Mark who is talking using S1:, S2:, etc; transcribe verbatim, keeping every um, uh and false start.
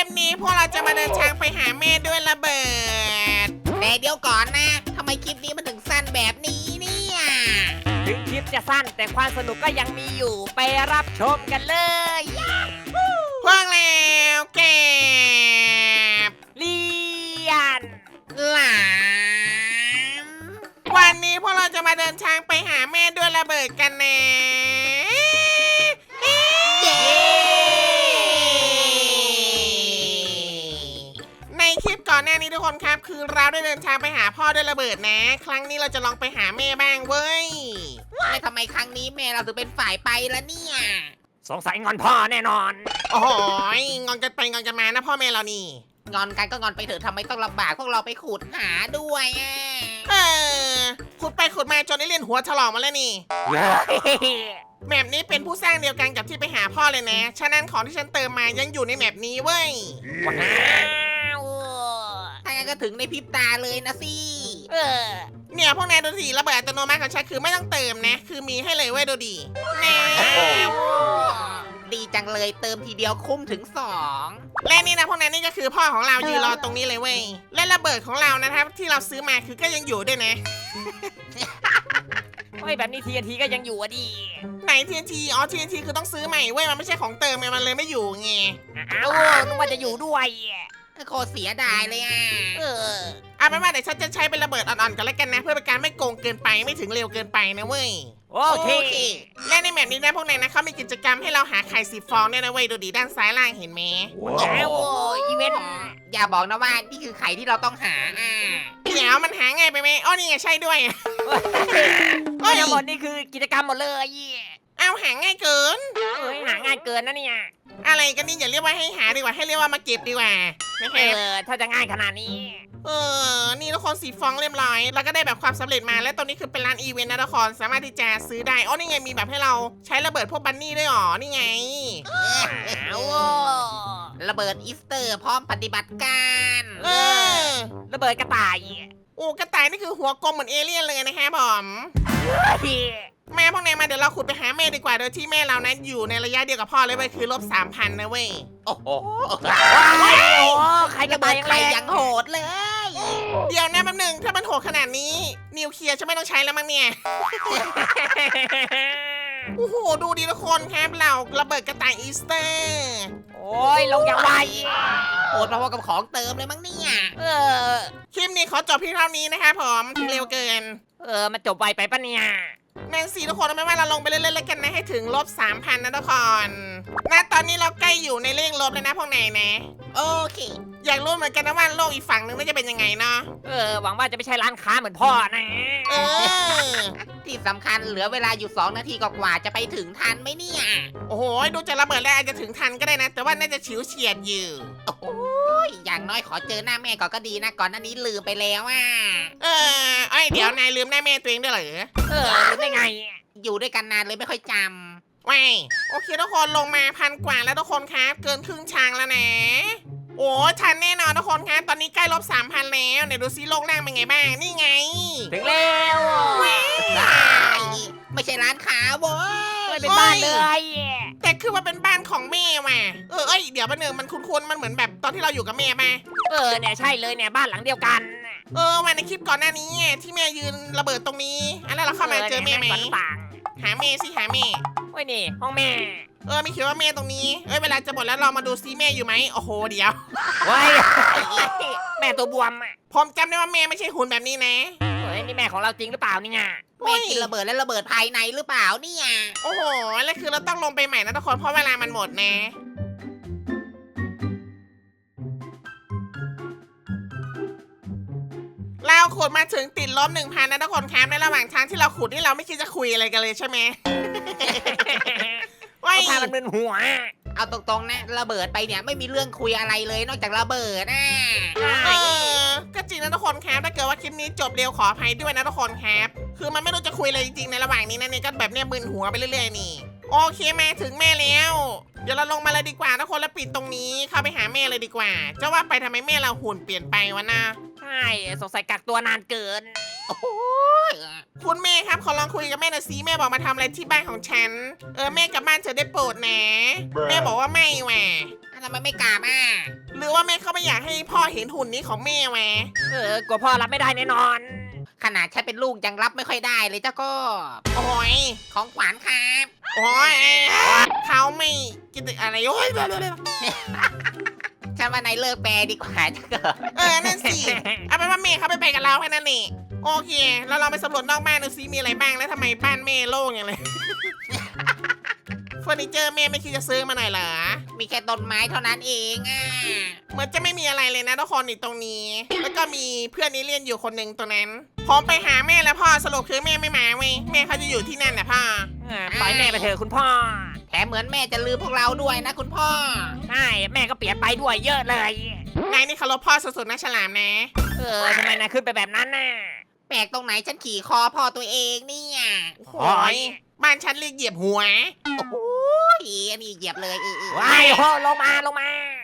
S1: ปนี้พวกเราจะมาเดินทางไปหาแม่ด้วยระเบิด
S2: แต่เดี๋ยวก่อนนะทำไมคลิปนี้มันถึงสั้นแบบนี้เนี่ย
S3: ถึงคลิปจะสั้นแต่ความสนุกก็ยังมีอยู่ไปรับชมกันเลย
S1: พวกแล้วเก็บ
S3: เลียน
S2: หลาม
S1: วันนี้พวกเราจะมาเดินทางไปหาแม่ด้วยระเบิดกันนะในคลิปก่อนหน้านี้ทุกคนครับคือเราได้เดินทางไปหาพ่อด้วยระเบิดนะ ครั้งนี้เราจะลองไปหาแม่บ้างเว้ย
S2: ไม่ทำไมครั้งนี้แม่เราถึงเป็นฝ่ายไปละเนี่ย
S3: สงสัยงอนพ่อแน่นอน
S1: โอ้โหงอนกันไปงอนกันมานะพ่อแม่เรานี่
S2: งอนกันก็งอนไปเถอะทำไมต้องลำบากพวกเราไปขุดหาด้วยอ่ะ
S1: เออขุดไปขุดมาจนได้เลียนหัวถลอกมาแล้วนี่แมปนี้เป็นผู้สร้างเดียวกันกับที่ไปหาพ่อเลยนะฉะนั้นของที่ฉันเติมมายังอยู่ในแมปนี้เว้ย
S3: ว้าว
S2: ถ้างั้นก็ถึงในพริบตาเลยนะสิ
S3: เออ
S1: เนี่ยพวกนายดูสิระเบิดอัตโนมัติของฉันคือไม่ต้องเติมนะคือมีให้เลยเว้ยดูดิแน่
S2: ดีจังเลยเติมทีเดียวคุ้มถึงสอง
S1: และนี่นะพวกนั้นนี่ก็คือพ่อของเรายืนรอตรงนี้เลยเว้ยและระเบิดของเรานะครับที่เราซื้อมาคือก็ยังอยู่ด้วยนะ
S3: เฮ้ยแบบนี้ ที เอ็น ที ก็ยังอยู่อ่ะดิ
S1: ไหน ที เอ็น ที อ๋อ ที เอ็น ที คือต้องซื้อใหม่เว้ยมันไม่ใช่ของเติมไงมันเลยไม่อยู่ไง
S3: อ้าวนึกว่าจะอยู่ด้วย
S2: โคตรเสียดายเลยอ่ะ
S3: เออ
S1: เอาเป็นว่าเดี๋ยวฉันจะใช้เป็นระเบิดอ่อนๆกันแล้วกันนะเพื่อเป็นการไม่โกงเกินไปไม่ถึงเร็วเกินไปนะเว้ย
S3: โอเค
S1: และในแมปนี้นะพวกนายนะเขามีกิจกรรมให้เราหาไข่สีฟองเนี่ยนะเว้ยดูดีด้านซ้ายล่างเห็นไหม
S3: ว้าวอีเวนต์
S2: อย่าบอกนะว่านี่คือไข่ที่เราต้องหาอ่ะ
S1: เดี๋ยวมันหาง่ายไปไหมอ๋อนี่ไงใช่ด้วย
S3: ก็ทั้งหมดนี่คือกิจกรรมหมดเลย
S1: เอาหาง่ายเกิน
S3: เอ้ยหาง่ายเกินนะเนี่ย
S1: อะไรกันนี่อย่าเรียกว่าให้หาดีกว่าให้เรียกว่ามาเก็บดีกว่าไม่
S3: เออถ้าจะง่ายขนาดนี้
S1: เออนี่ทุกคนสีฟองเรียบร้อยแล้วก็ได้แบบความสำเร็จมาและตรงนี้คือเป็นร้านอีเวนต์นะทุกคนสามารถที่จะซื้อได้อ๋อนี่ไงมีแบบให้เราใช้ระเบิดพวกบันนี่ด้วยอ๋อนี่ไง
S2: ระเบิดอีสเตอร์พร้อมปฏิบัติการ
S1: เออ
S3: ระเบิดกระต่าย
S1: โอ้กระต่ายนี่คือหัวกลมเหมือนเอเลี่ยนเลยนะคะบอมแม่พวกนายมาเดี๋ยวเราขุดไปหาแม่ดีกว่าโดยที่แม่เรานั้นอยู่ในระยะเดียวกับพ่อเลยเว้ยคือลบสามพันนะเว้ย
S2: โอ้โห
S3: ใครกระต่ายยังไง
S2: ยังโหดเลย
S1: เดี๋ยวนะแป๊บนึงถ้ามันโหดขนาดนี้นิวเคลียร์จะไม่ต้องใช้แล้วมั้งเนี่ยโอ้โหดูดีทุกคนครับเราระเบิดกระต่ายอีสเตอร์
S3: โอ้ยลงอย่างไว
S2: โหดพอๆกับของเติมเลยมั้งเนี่ย
S3: เออ
S1: คลิปนี้ขอจบเพียงเท่านี้นะคะผมถึงเร็วเกิน
S3: เออมันจบไวไปปะเนี่ย
S1: แมนซีทุกคนไม่ว่าเราลงไปเรื่อยๆกันนะให้ถึงลบสามพันนะทุกคนณตอนนี้เราใกล้อยู่ในเลขลบแล้วนะพวกนายนะ
S2: โอเค
S1: อยากรู้เหมือนกันนะว่าโลกอีกฝั่งนึงน่าจะเป็นยังไงเนาะ
S3: เออหวังว่าจะไม่ใช่ร้านค้าเหมือนพ่อนะ
S1: เออ
S2: ที่สำคัญเหลือเวลาอยู่สองนาทีกว่าจะไปถึงทันไหมเนี่ย
S1: โอ้โหดูจะระเบิดแล้วอาจจะถึงทันก็ได้นะแต่ว่าน่าจะฉิวเฉียดอยู่
S2: โอ้ยอย่างน้อยขอเจอหน้าแม่ก่อนก็ดีนะก่อนหน้านี้ลืมไปแล้วอ่ะ
S1: เออไอเดี๋ยวนายลืมหน้าแม่ตัวเองด้วยเหรอ
S3: เออลืมได้ไง
S2: อยู่ด้วยกันนานเลยไม่ค่อยจ
S1: ำว้ายโอเคทุกคนลงมาพันกว่าแล้วทุกคนครับเกินครึ่งชางแล้วนะโอ้ทันแน่นอนทุกคนครับตอนนี้ใกล้ลบสามพันแล้วเดี๋ยวดูซิโลกล่างเป็นไงบ้างนี่ไง
S3: ถึงแล้ว
S2: ไม่ใช่ร้านค้าเว้
S3: ยเป็นบ้านเลย
S1: แต่คือว่าเป็นบ้านของแม่ว่ะเออเอ้ยเดี๋ยวแป๊บนึงมันคุ้นๆมันเหมือนแบบตอนที่เราอยู่กับแม่ไหม
S3: เออเนี่ยใช่เลยเนี่ยบ้านหลังเดียวกัน
S1: เออมาในคลิปก่อนหน้านี้ที่แม่ยืนระเบิดตรงนี้อันนั้นเราเข้ามาเจอแม่ไหมหาแม่สิหาแม่
S3: โอ้ยนี่ห้องแม่
S1: เออไม่คิดว่าแม่ตรงนี้เอ้ยเวลาจะหมดแล้วเรามาดูซิแม่อยู่ไหมโอ้โหเดี๋ยว
S3: ว้ายแม่ตัวบวมอ่ะ
S1: ผมจำได้ว่าแม่ไม่ใช่หุ่นแบบนี้นะ
S3: เฮ้ยนี่แม่ของเราจริงหรือเปล่านี่ไง
S2: แม่กินระเบิดและระเบิดภายในหรือเปล่าเนี่ย
S1: โอ้โหแล้วคือเราต้องลงไปใหม่นะทุกคนเพราะเวลามันหมดนะเราขุดมาถึงติดลบหนึ่งพันนะทุกคนครับในระหว่างทางที่เราขุดนี่เราไม่คิดจะคุยอะไรกันเลยใช่ไหม
S3: ว่าพามันเป็นหัว
S2: เอาตรงๆนะระเบิดไปเนี่ยไม่มีเรื่องคุยอะไรเลยนอกจากระเบิดนะ
S1: เออก็จริงนะทุกคนครับถ้าเกิดว่าคลิปนี้จบเร็วขออภัยด้วยนะทุกคนครับคือมันไม่รู้จะคุยเลยจริงๆในระหว่างนี้นะเนี่ยก็แบบเนี้ยมึนหัวไปเรื่อยๆนี่โอเคมาถึงแม่แล้วเดี๋ยวเราลงมาเลยดีกว่าทุกคนแล้วปิดตรงนี้เข้าไปหาแม่เลยดีกว่าจะว่าไปทำไมแม่เราหุ่นเปลี่ยนไปวะนะ
S3: ใช่สงสัยกักตัวนานเกิน
S2: โอ้โห
S1: คุณแม่ครับขอลองคุยกับแม่หน่อยสิแม่บอกมาทำอะไรที่บ้านของฉันเออแม่กลับบ้านเธอได้โปรดนะแม่บอกว่าไม่แหวะ
S2: ทำไมไม่กลับอ่ะ
S1: รรือว่าแม่เขาไม่อยากให้พ่อเห็นหุ่นนี้ของแม่แหวะ
S3: เออกลัวพ่อรับไม่ได้แน่นอน
S2: ขนาดฉันเป็นลูกยังรับไม่ค่อยได้เลยเจ้าก็
S1: โอ้ย
S2: ของขวัญครับ
S1: โอ้ยเขาไม่กินอะไรโอ้ย
S2: ฉันว่านายเลิกแปลดีกว่าเจ้าก็
S1: เออนั่นสิเอาเป็นว่าแม่เขาไปไปกับเราแค่นั้นนี่โอเค แล้วเราไปสำรวจนอกบ้านดูซิมีอะไรบ้างแล้วทำไมบ้านแม่โล่งอย่างเลย เฟอร์นิเจอร์แม่ไม่คิดจะซื้อมาหน่อยเหรอ
S2: มีแค่ต้นไม้เท่านั้นเองอ่ะ
S1: เหมือนจะไม่มีอะไรเลยนะทุกคนนี่ตรงนี้ แล้วก็มีเพื่อนนี้เรียนอยู่คนหนึ่งตรงนั้นพร้อมไปหาแม่แล้วพ่อสรุปคือแม่ไม่มาเว้ยแม่เขาจะอยู่ที่นั่นแหละพ่อ
S3: อ่าปล่อยแม่ไปเถอะคุณพ่อ
S2: แถมเหมือนแม่จะลืมพวกเราด้วยนะคุณพ่อ
S3: ใช่แม่ก็เปลี่ยนไปด้วยเยอะเลย
S1: นายนี่เคารพพ่อสุดๆนะฉลามนะ
S3: เออทำไมนายขึ้นไปแบบนั้นน่ะ
S2: แปลกตรงไหนฉันขี่คอพ่อตัวเองเนี่ย
S1: โอ้ยบ้านฉันเรียกเหยียบหัว
S2: โอ้โหอันนี้เหยียบเลยเออเออ
S3: ว้ายโหลงมาลงมา